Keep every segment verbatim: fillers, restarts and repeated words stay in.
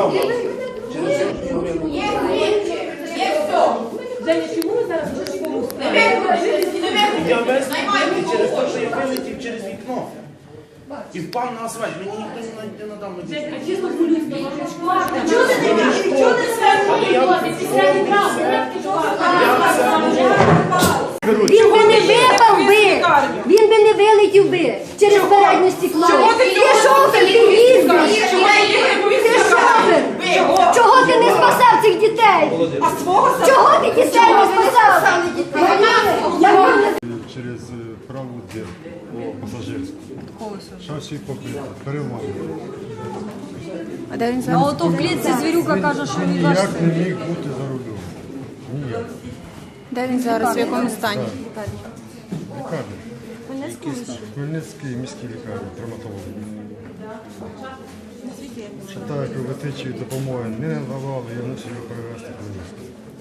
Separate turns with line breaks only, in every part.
справ мав.
Женя, чому ви зараз в такому стані?
Я весь вилетів через те, що я вилетів через вікно. І впав на асфальт. Мені ніхто не надав медичну.
Женя, чисто по-людськи, може шкварка. Чого ти не можеш? Чого ти не після відправ?
Він би не випав би, він би не вилетів би через переднє стекло. Ти шофер, ти їздиш. Ти шофер. Чого ти не спасав цих дітей? Чого ти дітей не спасав?
Через праву дверь пасажирську. Шасі покрите, перемогли.
А де він зараз? А ото в клітці звірюка каже, що він ваш
Ніяк
син.
не міг бути за рулем. Ніяк.
Де він зараз? В якому стані?
Лікарня. Хмельницький міський лікарні, травматологи. Що так, кровотечі допомоги не надавали, я мусив його перевезти в Хмельницький.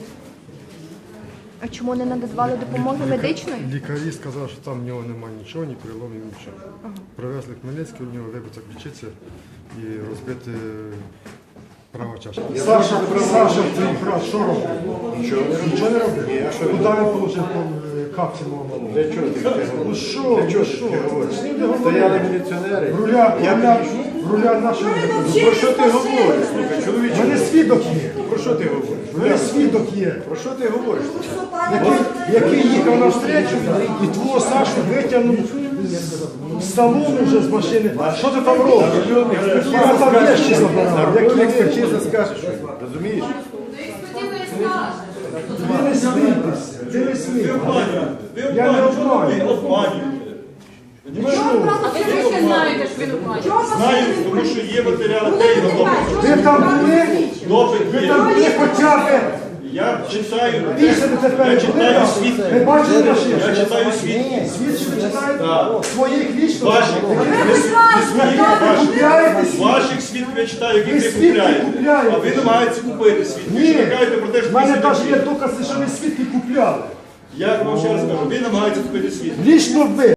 А чому не надавали допомоги медичної?
Лікарі сказали, що там в нього немає нічого, ні переломів, нічого. Привезли в Хмельницький, у нього вибита ключиця і розбити права чаша. Саша, Саша, твій брат, що робив? Нічого не робив. Нічого не робив? Ні, а що? Куди він отримав капці мого?
Для чого ти таке говориш?
Ну що?
Для чого
Ну
ти
що?
таке говориш?
З ним не говорили.
Стояли міліціонери.
Руля,
Я
руля,
підійшов.
руля нашого.
Ну, про що ти говориш? Слухай,
У
чоловіче.
мене свідок є.
Про що ти говориш?
У мене свідок є.
Про що ти говориш?
Який, який їхав на встречу і твого Сашу витягнув з- з салону вже з машини. Що ти там робиш? Я там вещи забирав.
Які
Які
експертиза скаже щось, розумієш?
Ти не смійтеся, ти не смійтеся. Я не обманю.
А ви звідки знаєте, що він оплачує?
Знаю, тому що є матеріали, де його допит.
Ви там були?
Допит
Ви
є.
там були хоча б
Я читаю,
після тепер.
я читаю світ.
Ви бачили машину?
Я читаю світ.
Світ, що ви читаєте?
Так.
Своїх вічно?
Ваших, не своїх, ваших.
Купляєте?
Ваших світ я читаю,
Ви
які ви
свідки
купляєте.
купляєте.
А ви намагаєтеся купити світ. Ви
Ні,
ще кажете про те, що
в мене
ви
навіть є
світ.
докази, що ви свідки купляли.
Я вам ще раз кажу, ви намагаєтеся купити світ.
Лічно ви.